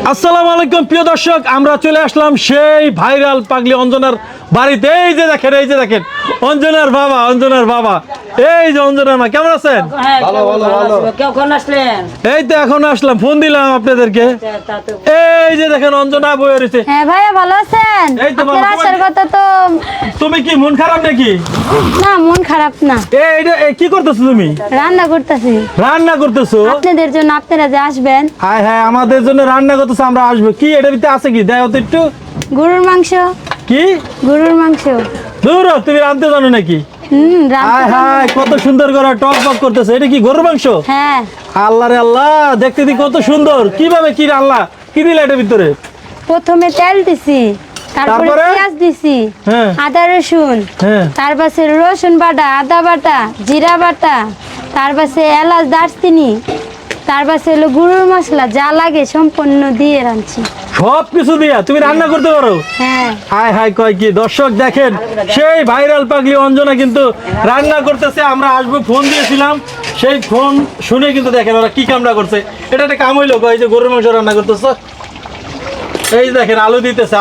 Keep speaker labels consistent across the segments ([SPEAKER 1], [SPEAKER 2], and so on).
[SPEAKER 1] আসসালামু আলাইকুম প্রিয় দর্শক, আমরা চলে আসলাম সেই ভাইরাল পাগলি অঞ্জনার বাড়িতে। এই যে দেখেন অঞ্জনার বাবা এই যে অঞ্জনার মা, কেমন আছেন?
[SPEAKER 2] ভালো কখন আসলেন?
[SPEAKER 1] এই তো এখন আসলাম, ফোন দিলাম আপনাদেরকে। এই যে দেখেন অঞ্জনা বয়ে রয়েছে।
[SPEAKER 3] হ্যাঁ ভাইয়া, ভালো আছেন?
[SPEAKER 1] এই তো ভালো।
[SPEAKER 3] আপনার আসার কথা তো।
[SPEAKER 1] তুমি কি মন খারাপ নাকি?
[SPEAKER 3] না, মন খারাপ না।
[SPEAKER 1] কি করতেছো তুমি?
[SPEAKER 3] রান্না করতেছি।
[SPEAKER 1] রান্না করতেছো
[SPEAKER 3] আপনাদের জন্য, আপনারা যে আসবেন।
[SPEAKER 1] হ্যাঁ, আমাদের জন্য রান্না করতেছো, আমরা আসবো। কি এটার ভিতরে আছে কি দেও তো একটু।
[SPEAKER 3] গরুর মাংস।
[SPEAKER 1] কি
[SPEAKER 3] গরুর মাংস?
[SPEAKER 1] দূর, তুমি রাঁধতে জানো নাকি? হায় কত সুন্দর করে টক বক করতেছে। এটা কি গরুর মাংস?
[SPEAKER 3] হ্যাঁ।
[SPEAKER 1] আল্লাহ রে আল্লাহ, দেখতে দি কত সুন্দর। কিভাবে কি আল্লাহ কি দিলে এটার ভিতরে?
[SPEAKER 3] প্রথমে তেল দিছি, তারপরে
[SPEAKER 1] তারপরে?
[SPEAKER 3] পেঁয়াজ দিছি,
[SPEAKER 1] হ্যাঁ।
[SPEAKER 3] আদা রসুন,
[SPEAKER 1] হ্যাঁ।
[SPEAKER 3] তারপরে রসুন বাটা, আদা বাটা, জিরা বাটা, তারপরে এলাচ, দারচিনি, তারপরে হলো গরুর মশলা, যা লাগে সম্পূর্ণ দিয়ে রাঁধছি।
[SPEAKER 1] সব কিছু দিয়া তুমি রান্না করতে পারো?
[SPEAKER 3] হ্যাঁ।
[SPEAKER 1] হায় কয় কি। দর্শক দেখেন, সেই ভাইরাল পাগলি অঞ্জনা কিন্তু রান্না করতেছে। আমরা আসবো ফোন দিয়েছিলাম, সেই ফোন শুনে কিন্তু দেখেন ওরা কি কামড়া করছে। এটা একটা কাম হইলো, এই যে গরুর মাংস রান্না করতেছ। এই দেখেন আলু দিতেছে,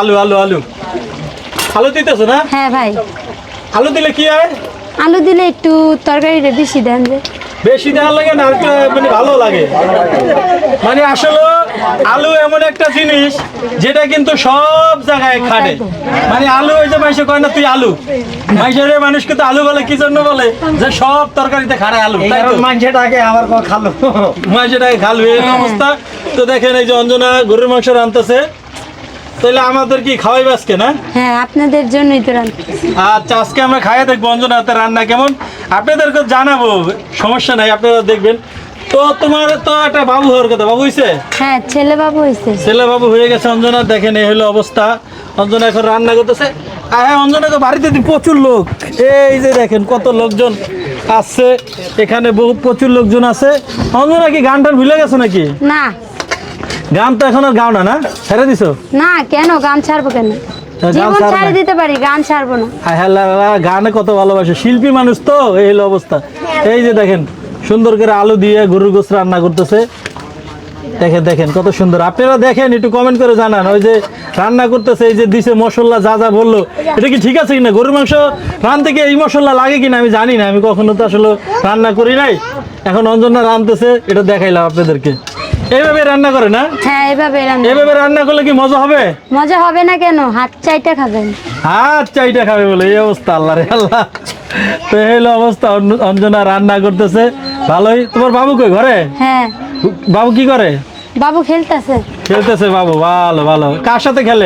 [SPEAKER 1] আলু দিতেছে না?
[SPEAKER 3] হ্যাঁ ভাই।
[SPEAKER 1] আলু দিলে কি হয়?
[SPEAKER 3] আলু দিলে একটু তরকারিটা বেশি দেন যে।
[SPEAKER 1] বেশি দেওয়া লাগে না, আরেকটু মানে ভালো লাগে। মানে আসলে আলু এমন একটা জিনিস যেটা কিন্তু সব জায়গায় খাটে। মানে আলু, ওই যে মাইসে কয় না তুই আলু, মাইসের মানুষ কিন্তু আলু বলে কি জন্য বলে, যে সব তরকারিতে খাড়ায় আলু, তাই তো মাইসেটাকে আবার খালো, মাইসেটাকে খালু, এই অবস্থা। তো দেখেন এই যে অঞ্জনা গরুর মাংস রান্নতেছে, তাহলে আমাদের কি খাওয়াইবে আজকে না?
[SPEAKER 3] হ্যাঁ, আপনাদের জন্যই তো রান্না।
[SPEAKER 1] আচ্ছা, আজকে আমরা খাইয়ে দেখবো অঞ্জনা হাতের রান্না কেমন, আপনাদেরকে জানাবো, সমস্যা নাই, আপনারা দেখবেন। তো তোমার তো একটা বাবু হওয়ার কথা, বাবু হয়েছে?
[SPEAKER 3] হ্যাঁ, ছেলে বাবু হয়েছে।
[SPEAKER 1] ছেলে বাবু হয়ে গেছে অঞ্জনা। দেখেন এই হলো অবস্থা, অঞ্জনা এখন রান্না করতেছে। হ্যাঁ, অঞ্জনাকে বাড়িতে প্রচুর লোক, এই যে দেখেন কত লোকজন আসছে এখানে, প্রচুর লোকজন আছে। অঞ্জনা কি গান টান ভুলে গেছে নাকি?
[SPEAKER 3] না,
[SPEAKER 1] গান তো এখন আর গাও না, ছেড়ে দিছো?
[SPEAKER 3] না, কেন গান ছাড়বো? কেন জীবন
[SPEAKER 1] ছাড়বে
[SPEAKER 3] ছাড়ে
[SPEAKER 1] না?
[SPEAKER 3] দিতে পারি, গান ছাড়বো না।
[SPEAKER 1] গানে কত ভালোবাসে, শিল্পী মানুষ তো, এই হলো অবস্থা। এই যে দেখেন সুন্দর করে আলু দিয়ে গরুর গোশত রান্না করতেছে। দেখেন কত সুন্দর। আপনারা দেখেন, একটু কমেন্ট করে জানান। ওই যে রান্না করতেছে, এই যে দিছে মশলা, যা বললো, এটা কি ঠিক আছে কিনা? গরুর মাংস রান্নতে কি এই মশলা লাগে কিনা আমি জানি না, আমি কখনো তো আসলে রান্না করি নাই। এখন অঞ্জনা রাঁধতেছে, এটা দেখাইলাম আপনাদেরকে। এইভাবে রান্না করে না?
[SPEAKER 3] হ্যাঁ,
[SPEAKER 1] এইভাবে রান্না করলে কি মজা হবে?
[SPEAKER 3] মজা হবে না কেন? হাত চাইটা খাবেন।
[SPEAKER 1] হাত চাইটা খাবে বলে এই অবস্থা, আল্লাহ রে আল্লাহ। তো এই হলো অবস্থা, অঞ্জনা রান্না করতেছে। ভালোই। তোমার বাবু কই, ঘরে?
[SPEAKER 3] হ্যাঁ।
[SPEAKER 1] বাবু কি করে?
[SPEAKER 3] বাবু খেলতেছে।
[SPEAKER 1] বাবু ভালো। কার সাথে খেলে?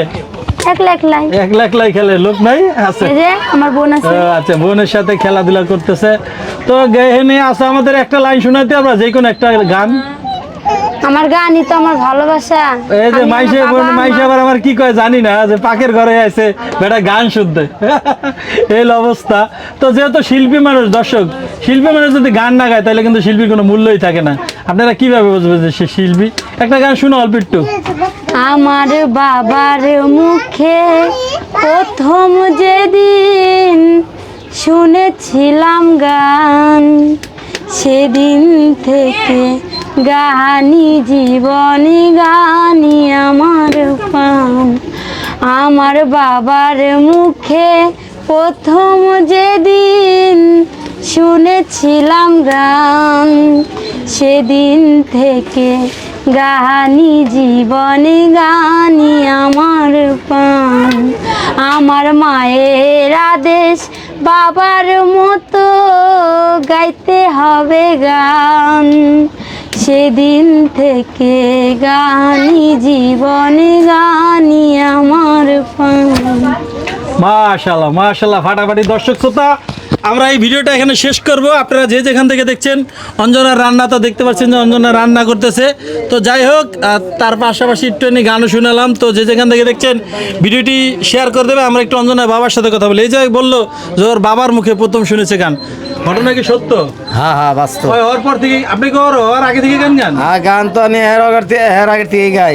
[SPEAKER 1] একলাই খেলে, লোক নাই? আছে,
[SPEAKER 3] এই যে আমার বোন আছে।
[SPEAKER 1] আচ্ছা, বোনের সাথে খেলাধুলা করতেছে। তো গেহেনে আছে, আমাদের একটা লাইন শোনাইতে, আমরা যে কোনো একটা গান।
[SPEAKER 3] আমার গানই তো আমার ভালোবাসা।
[SPEAKER 1] এই যে মাইসে আবার আমার কি কয় জানি না, যে পাকের ঘরে আছে বেটা গান শুনতে। এই অবস্থা। তো যেহেতু শিল্পী মানুষ, দর্শক শিল্পী মানুষ যদি গান না গায় তাহলে কিন্তু শিল্পীর কোনো মূল্যই থাকে না। আপনারা কিভাবে বুঝবেন যে সে শিল্পী? একটা গান শুনো অল্প একটু।
[SPEAKER 3] আমার বাবার মুখে প্রথম যেদিন শুনেছিলাম গান, সেদিন থেকে গানি জীবনী, গানি আমার প্রাণ। আমার বাবার মুখে প্রথম যেদিন শুনেছিলাম গান, সেদিন থেকে গানি জীবনী, গানি আমার প্রাণ। আমার মায়ের আদেশ, বাবার মতো গাইতে হবে গান, সেদিন থেকে গানি জীবনে, গানি আমার প্রাণ।
[SPEAKER 1] মাশাআল্লাহ ফাটাফাটি। দর্শক শ্রোতা, আমরা এই ভিডিওটা এখানে শেষ করব। আপনারা যে যেখান থেকে দেখছেন অঞ্জনার রান্না, তো দেখতে পাচ্ছেন যে অঞ্জনা রান্না করতেছে। তো যাই হোক, তার পাশাপাশি একটু গানও শুনালাম। তো যে যেখান থেকে দেখছেন ভিডিওটি শেয়ার করে দেবে। আমরা একটু অঞ্জনার বাবার সাথে কথা বলি। এই যে বললো যে ওর বাবার মুখে প্রথম শুনেছে গান, ঘটনা কি সত্য?
[SPEAKER 4] হ্যাঁ বাস্তব।
[SPEAKER 1] ওর পর থেকে আপনি কি ওর আগে থেকে গান?
[SPEAKER 4] গান তো আমি এর আগে থেকে গাই।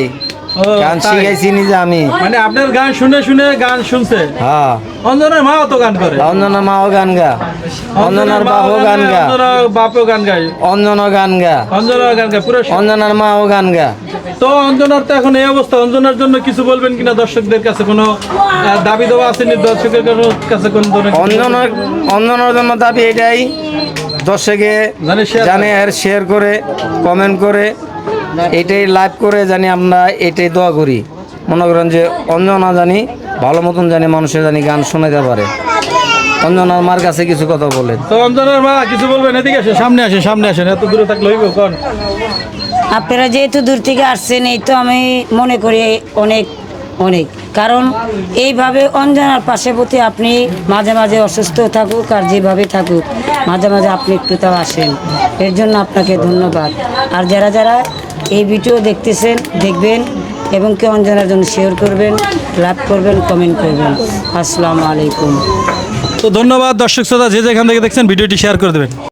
[SPEAKER 4] গান
[SPEAKER 1] তাই?
[SPEAKER 4] শিখাইছি নিজে আমি।
[SPEAKER 1] মানে আপনার গান শুনে শুনে গান শুনছে।
[SPEAKER 4] হ্যাঁ,
[SPEAKER 1] অঞ্জনার মাও তো গান করে।
[SPEAKER 4] অঞ্জনা মাও গান গা, অঞ্জনার বাপও গান গা,
[SPEAKER 1] অঞ্জনার বাপও গান গায়,
[SPEAKER 4] অঞ্জনা গান গা,
[SPEAKER 1] অঞ্জনার গান গায় পুরো।
[SPEAKER 4] অঞ্জনার মাও গান গা।
[SPEAKER 1] তো অঞ্জনার তো এখন এই অবস্থা, অঞ্জনার জন্য কিছু বলবেন কিনা দর্শকদের কাছে? কোনো দাবি দেওয়া আসেনি দর্শকের কাছে কোন ধরনের?
[SPEAKER 4] অঞ্জনার জন্য দাবি এটাই, দর্শকে
[SPEAKER 1] জানে share
[SPEAKER 4] জানে আর শেয়ার করে, কমেন্ট করে, এটাই লাইভ করে জানি আমরা এটাই দোয়া করি। মনে করেন যে অঞ্জনা জানি ভালো মতন জানি মানুষের জানি গান শোনাতে পারে। অঞ্জনার মার কাছে কিছু কথা বলেন।
[SPEAKER 1] তো অঞ্জনার মা কিছু বলবেন? এদিকে আসেন, সামনে আসেন, সামনে আসেন, এত দূরে থাকলে হইব কোন?
[SPEAKER 2] আপনারা যেহেতু দূর থেকে আসছেন, এই তো আমি মনে করি অনেক অনেক, কারণ এইভাবে অঞ্জনার পাশে প্রতি আপনি মাঝে মাঝে অসুস্থ থাকুক আর যেভাবে থাকুক, মাঝে মাঝে আপনি একটু তাও আসেন, এর জন্য আপনাকে ধন্যবাদ। আর যারা যারা এই ভিডিও দেখতেছেন, দেখবেন এবং কি অঞ্জনার জন্য শেয়ার করবেন, লাইক করবেন, কমেন্ট করবেন। আসসালামু আলাইকুম।
[SPEAKER 1] তো ধন্যবাদ দর্শক শ্রোতা, যে যেখান থেকে দেখছেন ভিডিওটি শেয়ার করে দেবেন।